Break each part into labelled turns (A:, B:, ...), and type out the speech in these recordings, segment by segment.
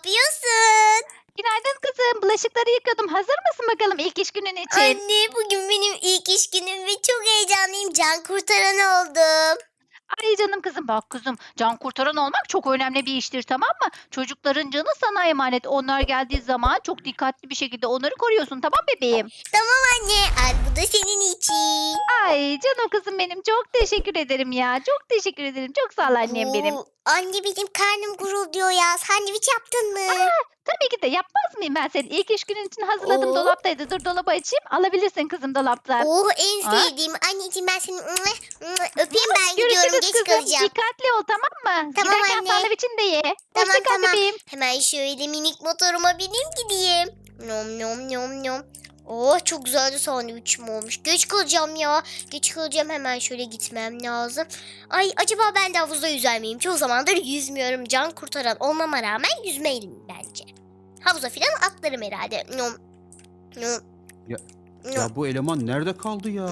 A: yapıyorsun?
B: Günaydın kızım. Bulaşıkları yıkıyordum. Hazır mısın bakalım ilk iş günün için?
A: Anne bugün benim ilk iş günüm ve çok heyecanlıyım. Can kurtaran oldum.
B: Ay canım kızım. Bak kızım, can kurtaran olmak çok önemli bir iştir, tamam mı? Çocukların canı sana emanet. Onlar geldiği zaman çok dikkatli bir şekilde onları koruyorsun, tamam bebeğim?
A: Tamam anne. Al bu da senin için.
B: Ay canım kızım benim. Çok teşekkür ederim ya. Çok teşekkür ederim. Çok sağ ol annem benim.
A: Anne benim karnım gurulduyor ya. Sandviç yaptın mı?
B: Tabii ki de yapmaz mıyım ben senin? İlk iş günün için hazırladım,
A: Oo.
B: dolaptaydı. Dur dolabı açayım. Alabilirsin kızım dolaptan.
A: Oh en
B: Ha?
A: sevdiğim. Anneciğim ben seni öpeyim ben gidiyorum.
B: Görüşürüz
A: Geç
B: kızım.
A: kalacağım.
B: Dikkatli ol, tamam mı?
A: Tamam
B: Giderken
A: anne.
B: sandviçini de ye.
A: Tamam
B: Hoşça kal
A: tamam.
B: bebeğim.
A: Hemen şöyle minik motoruma bineyim gideyim. Nom nom nom nom. Oh çok güzel de sandviçim olmuş. Geç kalacağım ya. Geç kalacağım hemen şöyle gitmem lazım. Ay acaba ben de havuzda yüzer miyim? Çoğu zamandır yüzmüyorum. Can kurtaran olmama rağmen yüzmeliyim bence. Havuza falan atlarım herhalde. Nom nom.
C: Ya-
A: nom.
C: Ya bu eleman nerede kaldı ya?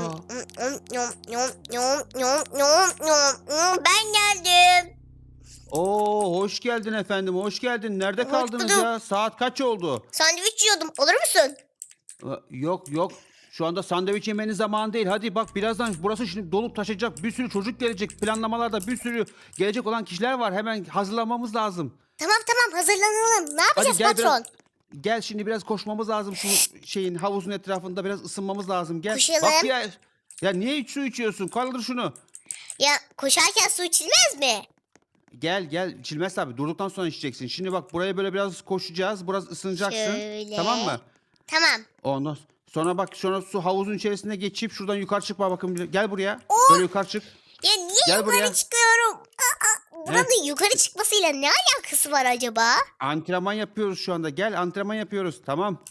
A: Ben geldim.
C: Oo, hoş geldin efendim, hoş geldin. Nerede
A: Hoş
C: kaldınız
A: bulduk.
C: ya? Saat kaç oldu?
A: Sandviç yiyordum. Olur musun?
C: Yok. Şu anda sandviç yemenin zamanı değil. Hadi bak birazdan burası şimdi dolup taşacak. Bir sürü çocuk gelecek. Planlamalarda bir sürü gelecek olan kişiler var. Hemen hazırlanmamız lazım.
A: Tamam hazırlanalım. Ne
C: Hadi
A: yapacağız
C: gel
A: patron?
C: gel şimdi biraz koşmamız lazım şu şeyin havuzun etrafında biraz ısınmamız lazım. Gel.
A: Koşalım.
C: Bak ya niye hiç su içiyorsun? Kaldır şunu.
A: Ya koşarken su içilmez mi?
C: Gel içilmez tabii. Durduktan sonra içeceksin. Şimdi bak buraya böyle biraz koşacağız. Biraz ısınacaksın.
A: Şöyle.
C: Tamam mı?
A: Tamam.
C: Ondan sonra bak sonra su havuzun içerisine geçip şuradan yukarı çıkma bakın. Gel buraya.
A: Oh!
C: Böyle yukarı çık.
A: Ya niye
C: Gel
A: yukarı
C: buraya.
A: çıkıyorum? Buranın yukarı çıkmasıyla ne alakası var acaba?
C: Antrenman yapıyoruz şu anda. Gel antrenman yapıyoruz. Tamam.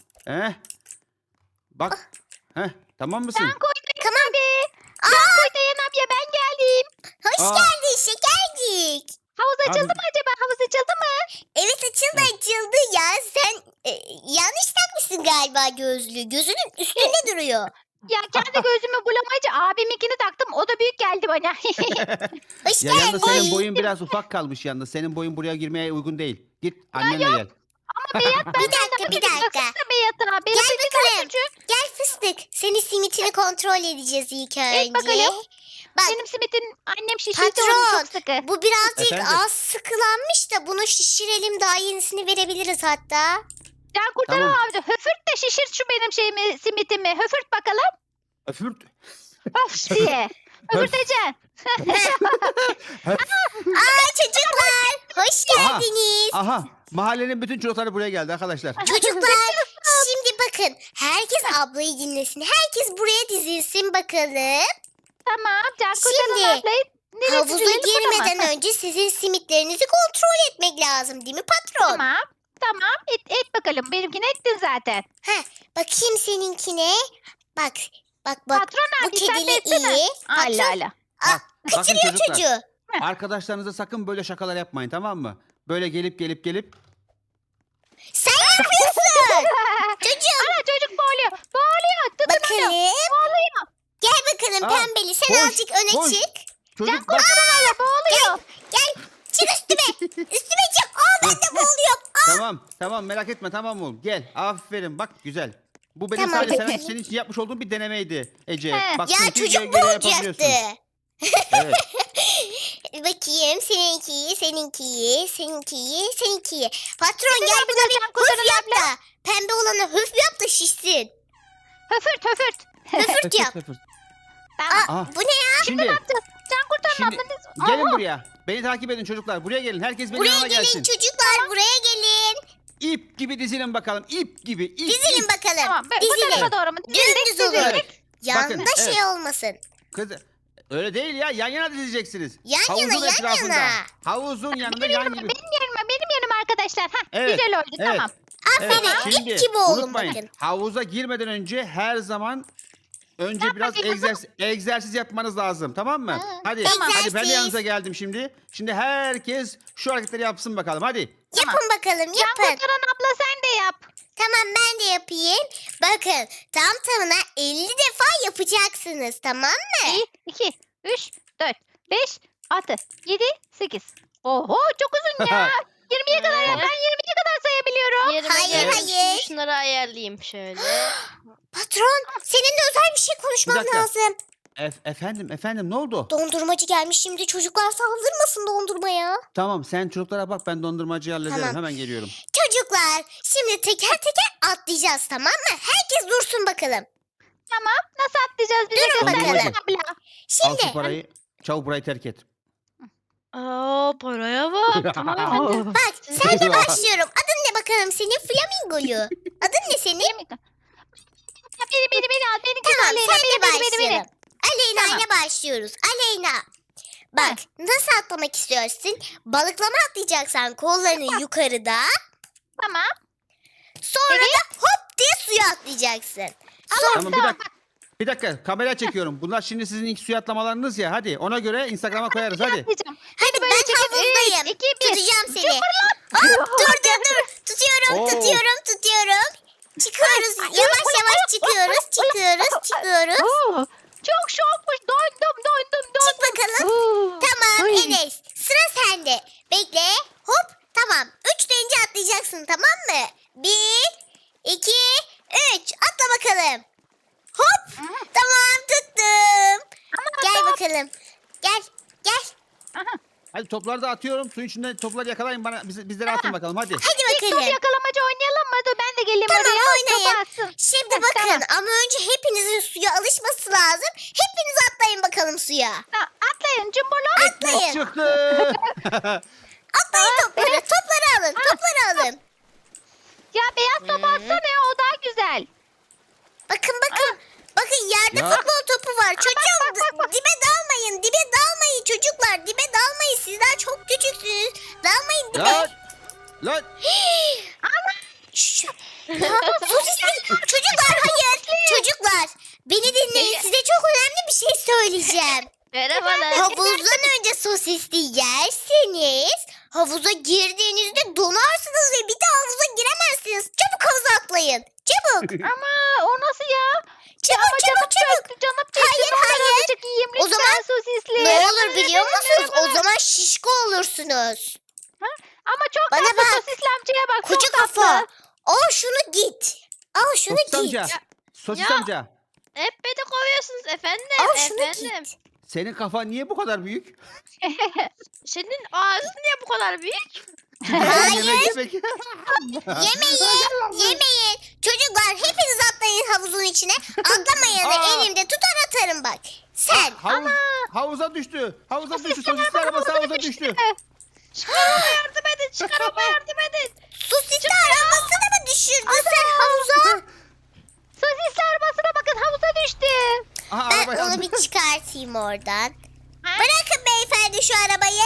C: Bak. Tamam mısın?
B: Can Kuytayan
A: Tamam.
B: abi. Can Kuytayan abla ben geldim.
A: Hoş
C: Aa.
A: geldin şekercik.
B: Havuz açıldı
C: Abi-
B: mı acaba? Havuz açıldı mı?
A: Evet açıldı ya. Sen yanlış takmışsın galiba gözlüğü. Gözünün üstünde duruyor.
B: Ya kendi gözümü bulamayınca abiminkini taktım. O da büyük geldi bana.
A: Hoş
C: Ya yalnız senin
A: geldin.
C: boyun biraz ufak kalmış yalnız. Senin boyun buraya girmeye uygun değil. Git annenle gel.
A: Bir dakika.
B: Baksana Beyat abi. Benim
A: Gel
B: bir
A: bakalım.
B: küçük.
A: Gel fıstık. Senin simitini kontrol edeceğiz ilk önce.
B: bakalım.
A: Bak
B: Benim simitin annem şişirdi
A: Patron,
B: onu çok sıkı.
A: bu birazcık
C: Efendim?
A: az sıkılanmış da bunu şişirelim daha yenisini verebiliriz hatta.
B: Can kurtaran
C: Tamam.
B: abi. Höfürt de şişirt şu benim şeyimi, simitimi. Höfürt bakalım.
C: Öfürt.
B: Of diye. Höfürteceksin.
A: Aa çocuklar hoş
C: Aha.
A: geldiniz.
C: Aha. Mahallenin bütün çocukları buraya geldi arkadaşlar.
A: Çocuklar şimdi bakın herkes ablayı dinlesin. Herkes buraya dizilsin bakalım.
B: Tamam. Can
A: Şimdi,
B: kurtaran ablayı nereye
A: Havuza
B: sürelim, buna mı?
A: girmeden önce sizin simitlerinizi kontrol etmek lazım değil mi patron?
B: Tamam. Tamam. Et bakalım. Benimkini ettin zaten.
A: Heh, bakayım seninkine. Bak.
B: Patron
A: Bu
B: abi sen de
A: kedili
B: etsene.
A: iyi.
B: Allah Allah.
C: Bak, bakın
A: Kaçırıyor
C: çocuklar.
A: çocuğu.
C: Arkadaşlarınıza sakın böyle şakalar yapmayın, tamam mı? Böyle gelip
A: Sen yapıyorsun. Çocuğum.
B: Ana çocuk boğuluyor. Boğuluyor. Tutun onu.
A: Bakalım.
B: Boğuluyor.
A: Gel bakalım
C: Aa,
A: pembeli. Sen
C: koş,
A: azıcık öne
C: koş.
A: çık.
C: çocuk bak.
B: Boğuluyor.
A: Gel. Çık üstüme. Üstüme çık. Ben de boğuluyorum.
C: Tamam merak etme tamam oğlum. Gel. Aferin bak güzel. Bu benim
A: Tamam.
C: sadece senin için yapmış olduğum bir denemeydi Ece.
B: He.
C: Bak
A: Ya
C: çünkü
A: çocuk
C: göre yapabiliyorsun.
A: boğulacaktı.
C: Evet.
A: Bakayım seninkiyi. Patron gel
B: bir
A: buna
B: de
A: bir
B: can kurtaran
A: höf yap da. Pembe olana höf yap da şişsin.
B: Höfürt.
A: Höfürt yap.
B: Tamam.
C: Aha.
A: Bu ne ya?
C: Şimdi
B: Can kurtaran
C: Şimdi
B: ablanız.
C: gelin
B: Aha.
C: buraya. Beni takip edin çocuklar. Buraya gelin. Herkes benim
A: Buraya
C: yanıma
A: gelin
C: gelsin.
A: çocuklar buraya gelin.
C: İp gibi dizilin bakalım. İp gibi. İp,
A: Dizilin
C: ip.
A: bakalım.
B: Tamam. Bu
A: Dizilin.
B: tarafa doğru mu?
A: Dümdüz olun.
C: Evet.
A: Yanda
C: Bakın,
A: şey
C: evet.
A: olmasın.
C: Kız öyle değil ya. Yan yana dizileceksiniz.
A: Yan
C: Havuzun
A: yana, yan
C: etrafında.
A: yana.
C: Havuzun yanında
B: Benim
C: yan
B: yanıma,
C: gibi.
B: benim yanıma arkadaşlar. Hah,
C: Evet,
B: güzel oldu
C: evet.
B: tamam.
A: Aferin
C: Evet,
A: ip gibi olun
C: unutmayın.
A: bakın.
C: Havuza girmeden önce her zaman önce biraz egzersiz yapmanız lazım. Tamam mı?
B: Hı,
C: Hadi.
A: tamam.
C: Hadi ben de
A: Egzersiz.
C: yanınıza geldim şimdi. Şimdi herkes şu hareketleri yapsın bakalım. Hadi.
A: Yapın bakalım
B: Can
A: yapın.
B: kurtaran abla sen de yap.
A: Tamam ben de yapayım. Bakın tam tamına 50 defa yapacaksınız tamam mı?
B: 1, 2, 3, 4, 5, 6, 7, 8. Oho çok uzun ya. 20'ye kadar yap. Ben 20'ye kadar
D: yerime
A: Hayır,
D: geldim.
A: hayır.
D: Şimdi şunları ayarlayayım şöyle.
A: Patron, seninle özel bir şey konuşmam
C: dakika.
A: lazım.
C: Efendim ne oldu?
A: Dondurmacı gelmiş, şimdi çocuklar saldırmasın dondurmaya.
C: Tamam sen çocuklara bak ben dondurmacıyı hallederim.
A: Tamam.
C: Hemen geliyorum.
A: Çocuklar, şimdi teker teker atlayacağız, tamam mı? Herkes dursun bakalım.
B: Tamam. Nasıl atlayacağız bize
A: Durun
B: göster
C: bakalım.
B: abla.
C: Al
A: Şimdi
C: şu parayı. Çabuk burayı terk et.
D: Aa, paraya bak. Tamam efendim.
A: bak, senle başlıyorum. Adın ne bakalım senin? Flamingolu. Adın ne senin?
B: Beni al. Beni
A: Tamam,
B: Aleyna.
A: senle
B: Beni.
A: başlayalım. Aleyna
B: Tamam.
A: ile başlıyoruz. Aleyna. Bak, nasıl atlamak istiyorsun? Balıklama atlayacaksan kollarını yukarıda.
B: Tamam.
A: Sonra da hop diye suya atlayacaksın.
C: Tamam bir dakika kamera çekiyorum. Bunlar şimdi sizin ilk suya atlamalarınız ya. Hadi ona göre Instagram'a koyarız hadi.
B: Atlayacağım.
A: Hadi
B: böyle
A: ben
B: çekip,
A: havuzdayım.
B: 3, 2, 1.
A: Tutacağım seni. Hop, dur. Tutuyorum. Çıkıyoruz. Yavaş çıkıyoruz.
B: Oo, çok şokmuş. Dondum.
A: Çık bakalım.
B: Oo.
A: Tamam
B: Ay.
A: Enes. Sıra sende. Bekle. Hop. Tamam. 3 deyince atlayacaksın, tamam mı? 1, 2, 3. Atla bakalım. Hop. Tamam, tuttum. Gel bakalım. Gel.
C: Hadi topları da atıyorum. Suyun içinde topları yakalayın bana. Bizlere atın bakalım hadi.
A: Hadi
B: Top
A: bakalım.
B: yakalamacı oynayalım mı? Dur ben de geleyim
A: Tamam,
B: oraya.
A: oynayın.
B: Topu atsın.
A: Şimdi
B: Heh,
A: bakın
B: tamam.
A: ama önce hepinizin suya alışması lazım. Hepiniz atlayın bakalım suya.
B: Atlayın cumburlu.
A: Atlayın.
C: Çıktı.
A: Atlayın topları. Topları alın.
B: Ya beyaz topu atsana ya o daha güzel.
A: Bakın. Bakın yerde
C: Ya.
A: futbol topu var. Çocuğum
B: bak.
A: dibe dalmayın. Çocuklar. Dibe dalmayın. Sizler çok küçüksünüz. Dalmayın dibe.
C: Lan.
A: Şş. Ya, sosisli. Çocuklar hayır. Çocuklar beni dinleyin. Size çok önemli bir şey söyleyeceğim.
D: Merhabalar.
A: Havuzdan önce sosisli yerseniz havuza girdiğinizde donarsınız ve bir daha havuza giremezsiniz. Çabuk havuza atlayın. Çabuk.
B: Ama o nasıl ya?
A: Çabuk.
B: Canım çekti.
A: Hayır,
B: Ne olur
A: hayır.
B: azıcık yiyeyim
A: O
B: lütfen
A: zaman
B: sosisli.
A: Ne olur biliyor musunuz? O zaman şişko olursunuz.
B: Ama çok
A: Bana
B: tatlı
A: bak.
B: sosisli amcaya bak.
A: Koca
B: çok tatlı.
A: kafa. Al şunu git.
C: Sosis amca. Sosis
D: Ya.
C: amca.
D: Hep beni kovuyorsunuz efendim.
A: Al şunu
D: Efendim.
A: git.
C: Senin kafan niye bu kadar büyük?
D: Senin ağzın niye bu kadar büyük?
A: Hayır.
C: Yemek.
A: Yemeyin. Çocuklar hepiniz atlayın havuzun içine. Atlamayın
C: Aa.
A: elimde tutar atarım bak. Sen.
C: Havuza düştü. Sosisli arabası havuza düştü.
D: Çıkarama yardım edin. Çıkarama yardım edin.
A: Sosisli arabasını mı düşürdün sen havuza?
B: Sosisli arabasına bakın havuza düştü.
C: Aha,
A: Ben
C: araba
A: onu
C: yandı.
A: bir çıkartayım oradan.
B: Ha?
A: Bırakın beyefendi şu arabayı.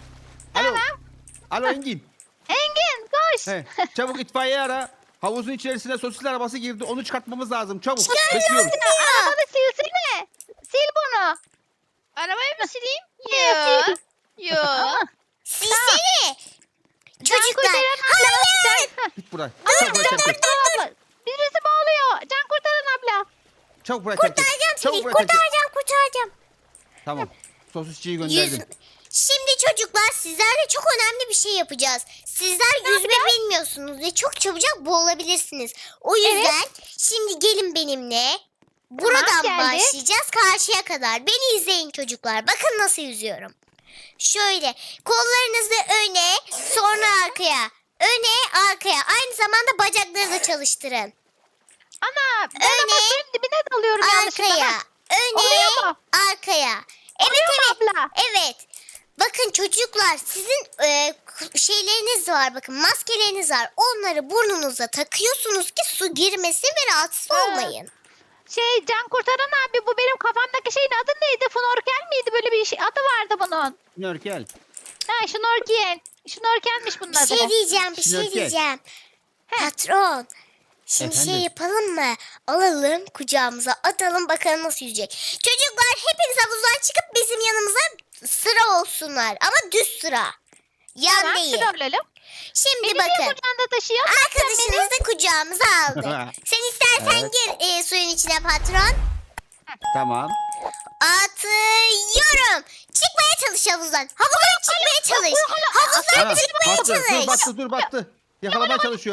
C: Alo Engin.
B: Engin koş.
C: He, çabuk itfaiye ara. Havuzun içerisine sosisli arabası girdi. Onu çıkartmamız lazım. Çabuk. Bekliyorum.
B: Arabanı silsene. Sil bunu.
D: Arabayı mı sileyim?
B: Evet, sil.
D: Yo.
A: Silsene.
B: Can
A: Çocuklar.
B: kurtaran abla.
C: Git buraya. Çabuk buraya terk et.
B: Birisi boğuluyor. Can kurtaran abla.
C: Çabuk buraya terk et.
A: Kurtaracağım
C: Çabuk
A: seni.
C: buraya terk et.
A: Kurtaracağım.
C: Tamam. Sosisçiyi
A: Yüz...
C: gönderdim.
A: Şimdi çocuklar sizlerle çok önemli bir şey yapacağız. Sizler yüzme bilmiyorsunuz ve çok çabucak boğulabilirsiniz. O yüzden şimdi gelin benimle. Buradan
B: geldik.
A: başlayacağız karşıya kadar. Beni izleyin çocuklar. Bakın nasıl yüzüyorum. Şöyle kollarınızı öne sonra arkaya. Öne arkaya. Aynı zamanda bacakları da çalıştırın.
B: Ana ben
A: Öne,
B: ama suyun dibine dalıyorum yanlışlıkla.
A: Arkaya.
B: Ha,
A: Öne
B: oluyor mu?
A: arkaya. Evet
B: Oluyor mu
A: evet.
B: abla?
A: Evet. Bakın çocuklar sizin şeyleriniz var bakın maskeleriniz var. Onları burnunuza takıyorsunuz ki su girmesin ve rahatsız
B: Ha.
A: olmayın.
B: Can kurtaran abi bu benim kafamdaki şeyin adı neydi? Fnorkel miydi? Böyle bir şey, adı vardı bunun.
C: Nörkel.
B: Ha şnorkel. Şnorkelmiş bunun
A: Bir
B: adı.
A: şey diyeceğim
C: Şnorkel.
A: Patron. Şimdi
C: Efendim?
A: şey yapalım mı? Alalım kucağımıza atalım bakalım nasıl yüzecek. Çocuklar hepiniz havuzdan çıkıp bizim yanımıza sıra olsunlar. Ama düz sıra. Yan
B: Tamam
A: değil.
B: sıra olalım.
A: Şimdi
B: Beni niye
A: bakın.
B: kucağında taşıyor?
A: Arkadaşınız da kucağımıza aldı. Sen istersen
C: Evet.
A: gir suyun içine patron.
C: Tamam.
A: Atıyorum. Çıkmaya çalış havuzdan. Havuzdan çıkmaya çalış. Havuzdan
C: Ana,
A: çıkmaya
C: battı.
A: çalış.
C: Dur battı. Yakalamaya çalışıyorum.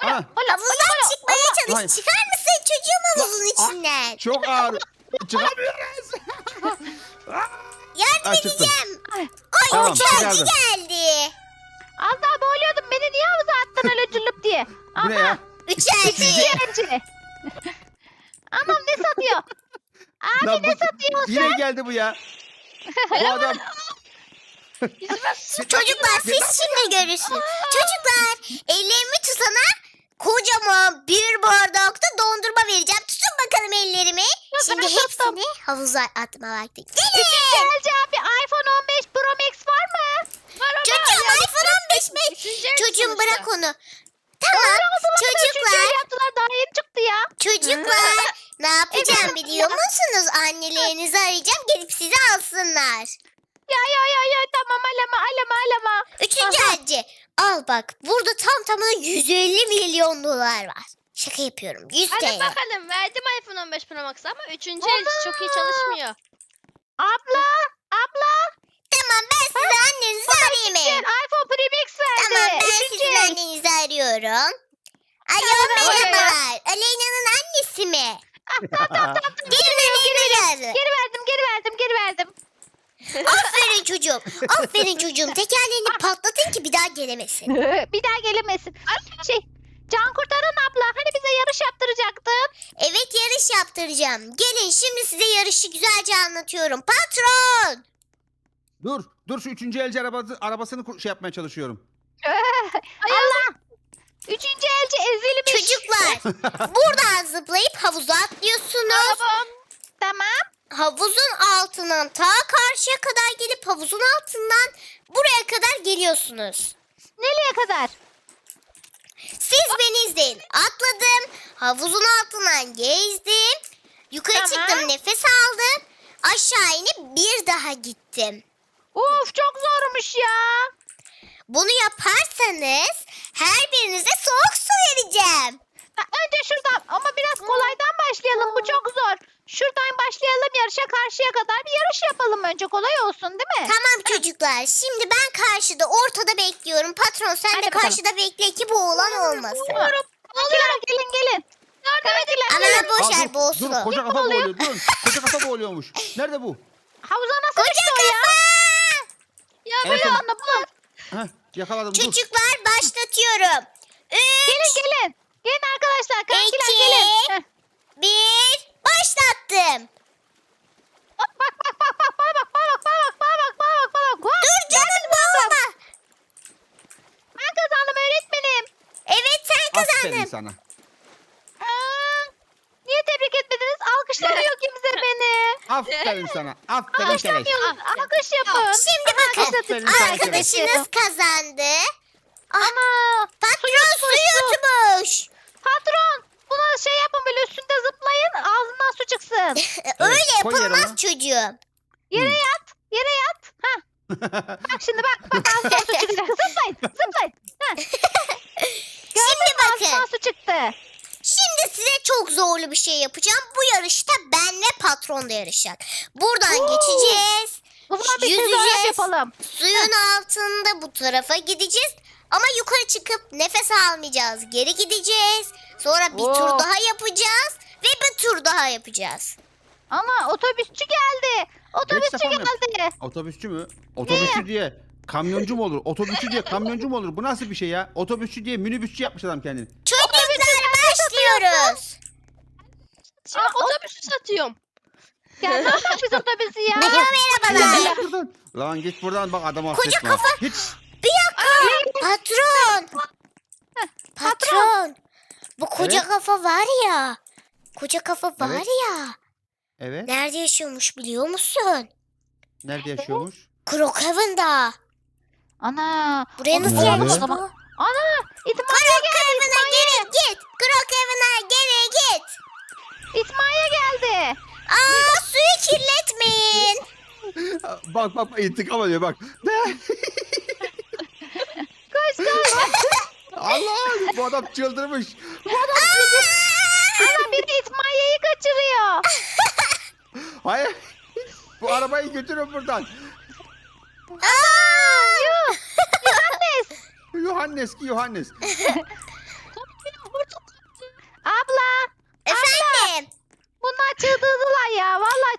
C: Ana.
A: Havuzdan çıkmaya çalış.
C: Hayır.
A: Çıkar mısın çocuğum havuzun
C: Ah,
A: içinden?
C: Çok ağır. Çıkamıyoruz.
A: Yardım
C: çıktım.
A: edeceğim.
B: Ay.
A: Ay
C: Tamam,
A: uçağcı
C: çıkardım.
A: geldi.
B: Az daha boğuluyordum. Beni niye havuza attın öyle cıllıp diye?
C: Bu ne ya?
A: Uçağcı.
B: Bence. Anam ne satıyor? Abi
C: Lan
B: ne
C: bu-
B: satıyorsun?
C: Yine geldi bu ya. Bu adam.
A: Çocuklar siz şimdi görürsünüz. Çocuklar ellerimi tutana kocaman bir bardakta dondurma vereceğim. Tutun bakalım ellerimi. Şimdi
B: ben tuttum.
A: hepsini havuza atma vakti. Gelin.
B: Gelce abi iPhone 15 Pro Max var mı?
A: Çocuğum iPhone 15 mi? Çocuğum bırak onu. Tamam çocuklar.
B: Üçüncü yaptılar daha yeni çıktı ya.
A: Çocuklar ne yapacağım biliyor musunuz? Annelerinizi arayacağım gelip sizi alsınlar.
B: Ya tamam alama.
A: Üçüncü
B: Aha.
A: elci. Al bak burada tam tamına 150 milyon dolar var. Şaka yapıyorum. 100
D: Hadi
A: TL.
D: bakalım verdim iPhone 15 Pro Max ama 3. el çok iyi çalışmıyor.
B: Abla.
A: Tamam ben size annenizi arayayım.
B: Gel iPhone Pro Max verdi.
A: Tamam ben
B: Üçüncü
A: sizin
B: el.
A: annenizi arıyorum. Alo
B: Tamam,
A: merhabalar. Aleyna'nın annesi mi?
B: Tamam.
A: Gelin Aleyna'yı.
B: Geri verdim.
A: Aferin çocuğum. Aferin çocuğum. Tekerleğini patlatın ki bir daha gelemesin.
B: Bir daha gelemesin. Can kurtaran abla hani bize yarış yaptıracaktın.
A: Evet yarış yaptıracağım. Gelin şimdi size yarışı güzelce anlatıyorum. Patron.
C: Dur şu üçüncü elci arabasını şey yapmaya çalışıyorum.
B: Allah. Üçüncü elci ezilmiş.
A: Çocuklar buradan zıplayıp havuza atlıyorsunuz.
B: Tamam.
A: Havuzun altından ta karşıya kadar gelip havuzun altından buraya kadar geliyorsunuz.
B: Nereye kadar?
A: Siz beni izleyin. Atladım. Havuzun altından gezdim. Yukarı
B: Tamam.
A: çıktım nefes aldım. Aşağı inip bir daha gittim.
B: Of çok zormuş ya.
A: Bunu yaparsanız her birinize soğuk su vereceğim.
B: Önce şuradan ama biraz kolaydan başlayalım. Bu çok zor. Şuradan başlayalım yarışa karşıya kadar bir yarış yapalım önce kolay olsun değil mi?
A: Tamam çocuklar. Şimdi ben karşıda ortada bekliyorum. Patron sen
B: Hadi
A: de
B: bakalım.
A: karşıda bekle ki boğulan olmasın.
B: Gelin.
A: Ama boş
C: Aa,
A: ver boğulsun.
C: Dur koca kafa boğuluyor. Durun. Koca kafa boğuluyormuş. Nerede bu?
B: Havuza nasıl
A: Koca
B: düştü o ya?
A: kafa.
D: Ya
C: En
D: böyle
C: son-
B: Anladım.
C: Heh, yakaladım dur.
A: Çocuklar başlatıyorum. 3,
B: Gelin arkadaşlar. Kankiler
A: İki.
B: gelin. Heh.
A: 1, başlattım.
B: Bak.
A: Dur canım boğulma.
B: Ben kazandım öğretmenim.
A: Evet sen
C: Aferin
A: kazandın.
C: sana.
B: Niye tebrik etmediniz? Alkışlamıyor kimse beni.
C: Aferin sana. Aferin keleş.
B: Alkışlamıyorsunuz. Alkış yapın.
A: Şimdi bakın
C: Aferin sana
A: arkadaşınız kazandı.
B: Ana.
A: Patron su yutmuş.
B: Patron. Buna şey yapın böyle üstünde zıplayın. Ağzından su çıksın.
A: Öyle
C: koy yerine.
A: yapılmaz çocuğum.
B: Yere yat. Ha. Bak şimdi bak ağzından su çıkacak. Zıplayın. Ha.
A: Şimdi
B: Ağzından
A: bakın.
B: su çıktı.
A: Şimdi size çok zorlu bir şey yapacağım. Bu yarışta benle patron da yarışacak. Buradan
B: Oo.
A: geçeceğiz.
B: O zaman bir
A: Yüzeceğiz.
B: tezahürat yapalım.
A: Suyun altında bu tarafa gideceğiz. Ama yukarı çıkıp nefes almayacağız. Geri gideceğiz. Sonra bir tur
B: Oo.
A: daha yapacağız. Ve bir tur daha yapacağız.
B: Ana otobüsçü geldi. Otobüsçü
C: defa mı?
B: geldi.
C: Otobüsçü mü? Otobüsçü diye kamyoncu mu olur? Otobüsçü diye kamyoncu mu olur? Bu nasıl bir şey ya? Otobüsçü diye minibüsçü yapmış adam kendini.
A: Çocuklar başlıyoruz.
D: otobüsü satıyorum.
B: Ya ne yapacak biz otobüsü ya?
A: Merhabalar.
C: Buradan. Lan git buradan bak adamı
A: Koca
C: affetme.
A: kafa.
C: Hiç.
A: Bir dakika. Patron. Patron. Bu koca
C: Evet.
A: kafa var ya. Koca kafa var
C: Evet.
A: ya.
C: Evet.
A: Nerede yaşıyormuş biliyor musun?
C: Nerede yaşıyormuş?
A: Crookhaven'da.
B: Ana.
A: Buraya
B: onu
A: nasıl
C: Nerede?
A: gelmiş
B: o
A: bu?
B: zaman. Ana. İtmaiye geldi.
A: Crookhaven'a geri git. Crookhaven'a geri git.
B: İtmaiye geldi.
A: Aa suyu kirletmeyin.
C: Bak intikam alıyor bak.
B: Koş.
C: Allah bu adam çıldırmış.
B: Ana biri itmaiyeyi kaçırıyor.
C: Hayır. Bu arabayı götürün buradan.
A: Aa!
B: Yuh.
C: Yohannes ki Yohannes.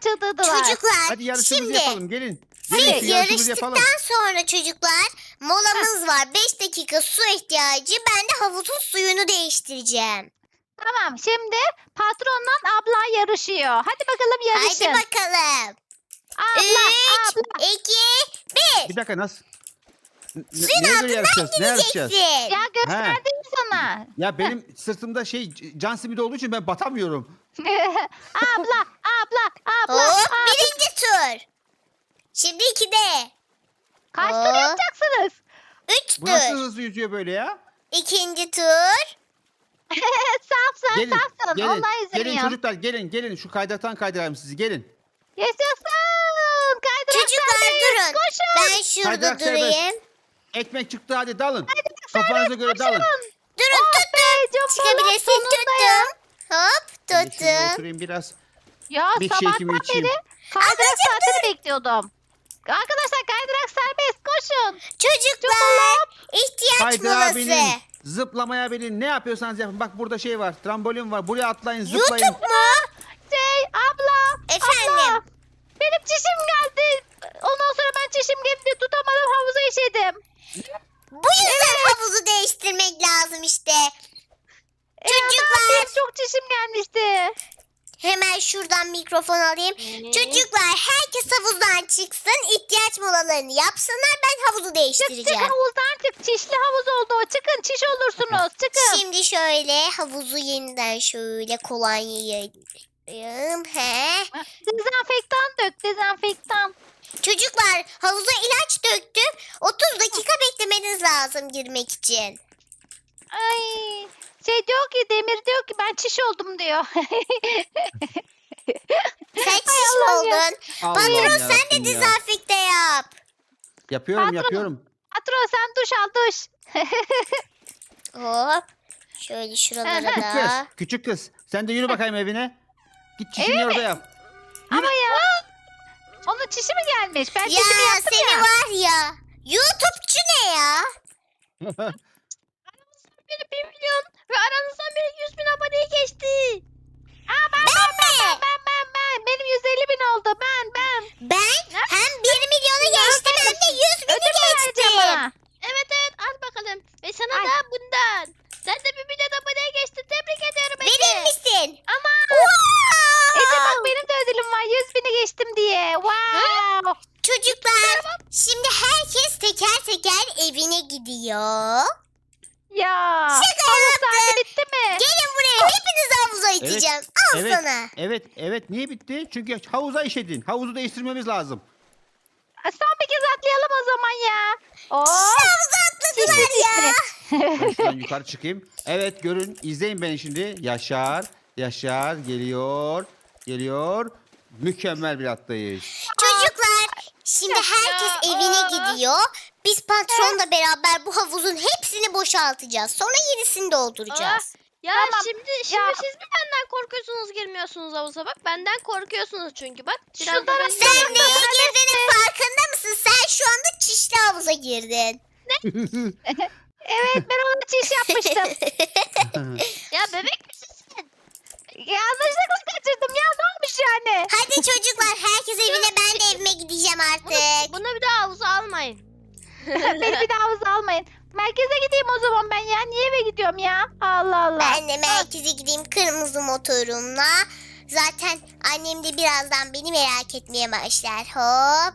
B: çıldırdılar.
A: Çocuklar
C: Hadi yarışımızı
A: şimdi
C: yapalım gelin.
B: Hadi.
C: Gelin
A: siz
C: şu yarışımızı yapalım.
A: yarıştıktan sonra çocuklar molamız var. 5 dakika su ihtiyacı. Ben de havuzun suyunu değiştireceğim.
B: Tamam şimdi patronla abla yarışıyor. Hadi bakalım yarışın.
A: Haydi bakalım.
B: Abla
A: 3,
B: abla.
A: 2, 1.
C: Bir dakika nasıl?
A: Suyun
C: Neye göre
A: altından
C: yarışacağız? Ne yarışacağız?
A: gideceksin.
B: Ya gösterdim sana.
C: Ya benim sırtımda can simidi olduğu için ben batamıyorum.
B: abla abla.
A: Hop, birinci tur. Şimdi 2'de.
B: Kaç tur
A: Hop.
B: yapacaksınız?
A: 3
C: Bu nasıl
A: tur.
C: hızlı yüzüyor böyle ya?
A: İkinci tur.
B: Safsın
C: Gelin,
B: safsın.
C: gelin,
B: Allah izin
C: gelin
B: veriyorum.
C: çocuklar gelin. Şu kaydıraktan kaydırayım sizi gelin.
B: Yaşasın. Kaydırak
A: Çocuklar
B: serbest.
A: durun.
B: Koşun.
A: Ben şurada
C: Kaydırak
A: durayım.
C: Ekmek çıktı hadi dalın. Kafanıza göre dalın.
A: Durun
B: Oh
A: tuttum.
B: be, cumbalar
A: Çıkabilirsin
B: sonunda ya.
A: tuttum. Hop
C: Ben de şurada
A: tuttum.
C: oturayım biraz.
B: Ya
C: Bir
B: sabahtan
C: şekimi içeyim.
B: beri kaydırak saatini bekliyordum. Arkadaşlar kaydırak serbest. Koşun.
A: Çocuklar ihtiyaç
C: Kaydırağa
A: molası.
C: binin. Zıplamaya binin. Ne yapıyorsanız yapın. Bak burada şey var. Trambolin var. Buraya atlayın zıplayın.
A: YouTube mu?
B: Abla.
A: Efendim?
B: Abla. Benim çişim geldi. Ondan sonra ben çişim gelince tutamadım havuza işedim.
A: Bu yüzden havuzu değiştirmek lazım işte. Çocuklar.
B: Ya, ne yapayım? Çok çişim gelmişti.
A: Hemen şuradan mikrofon alayım. Çocuklar herkes havuzdan çıksın. İhtiyaç molalarını yapsınlar. Ben havuzu
B: Çık
A: değiştireceğim.
B: havuzdan çık. Çişli havuz oldu o. Çıkın çiş olursunuz. Çıkın.
A: Şimdi şöyle havuzu yeniden şöyle kolonyayı yayayım. He.
B: Dezenfektan dök. Dezenfektan.
A: Çocuklar havuza ilaç döktüm. 30 dakika beklemeniz lazım girmek için.
B: Ay. Şey diyor ki Demir diyor ki ben çiş oldum diyor.
A: Sen çiş mi
B: Allah'ım ya.
A: oldun?
C: Allah'ım
A: Patron sen de
C: yarabbim ya.
A: dezenfekte yap.
C: Yapıyorum yapıyorum.
B: Patron sen duş al duş.
A: Hop. Şöyle şuralara
C: Küçük kız.
A: da.
C: Küçük kız. Sen de yürü bakayım evine. Git çişini orada yap.
B: Ama ya. Onun çişi mi gelmiş? Ben
A: Ya
B: çişimi yaptım
A: seni
B: ya.
A: var ya. YouTube'cu ne ya?
D: Biri 1 milyon ve aranızdan biri 100 bin aboneyi geçti.
B: Ben. Benim 150 bin oldu. Ben.
A: Ben hem 1 milyonu geçtim hem de 100 bini
B: Ödül mü vereceğim
A: geçtim.
B: bana?
D: Evet al bakalım. Ve sana
B: Ay.
D: da bundan. Sen de 1 milyon aboneye geçtin. Tebrik ediyorum Ece.
A: Verir misin?
B: Ama
A: Wow!
B: Ece bak benim de ödülüm var. 100 bini geçtim diye. Wow.
A: Çocuklar şimdi herkes teker teker evine gidiyor.
B: Ya.
A: Şaka
B: Havuz
A: yaptım.
B: saati bitti mi?
A: Gelin buraya hepinizi havuza iteceğim. Al
C: Evet.
A: sana.
C: Evet. Niye bitti? Çünkü havuza işedin. Havuzu değiştirmemiz lazım.
B: Son bir kez atlayalım o zaman ya. Oo.
A: Havuza atladılar ya.
C: Ben şuradan yukarı çıkayım. Evet görün. İzleyin beni şimdi. Yaşar geliyor. Mükemmel bir atlayış.
A: Çocuklar şimdi herkes
B: Ya,
A: evine
B: aa.
A: gidiyor. Biz patronla beraber bu havuzun hepsini boşaltacağız. Sonra yenisini dolduracağız.
D: Ya
B: Tamam.
D: şimdi
B: Ya.
D: siz mi benden korkuyorsunuz girmiyorsunuz havuza bak. Benden korkuyorsunuz çünkü bak. Biraz
B: Şuradan
D: da ben
A: Sen
D: gidiyorum
A: neye
D: ya.
A: girdiğinin farkında mısın? Sen şu anda çişli havuza girdin.
B: Evet ben ona çiş yapmıştım.
D: Ya bebek misin sen?
B: Yanlışlıkla kaçırdım ya ne olmuş yani?
A: Hadi çocuklar herkes evine, ben de evime gideceğim artık.
D: Bunu bir daha havuza almayın.
B: Beni bir daha havuza almayın. Merkeze gideyim o zaman ben ya. Niye eve gidiyorum ya? Allah Allah.
A: Ben de merkeze gideyim kırmızı motorumla. Zaten annem de birazdan beni merak etmeye başlar. Hop.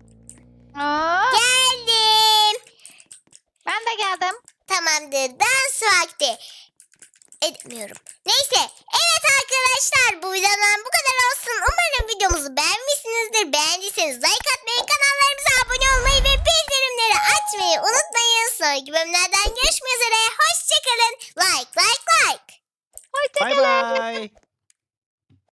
B: Aa,
A: Geldim.
B: ben de geldim.
A: Tamamdır. Dans vakti. Etmiyorum. Neyse. Evet arkadaşlar. Bu videodan bu kadar olsun. Umarım videomuzu beğenmişsinizdir. Beğendiyseniz like atmayı, kanallarımıza abone olmayı ve bildirimleri açmayı unutmayın. Sonraki bölümlerden görüşmek üzere. Hoşçakalın. Like.
C: Bay bay.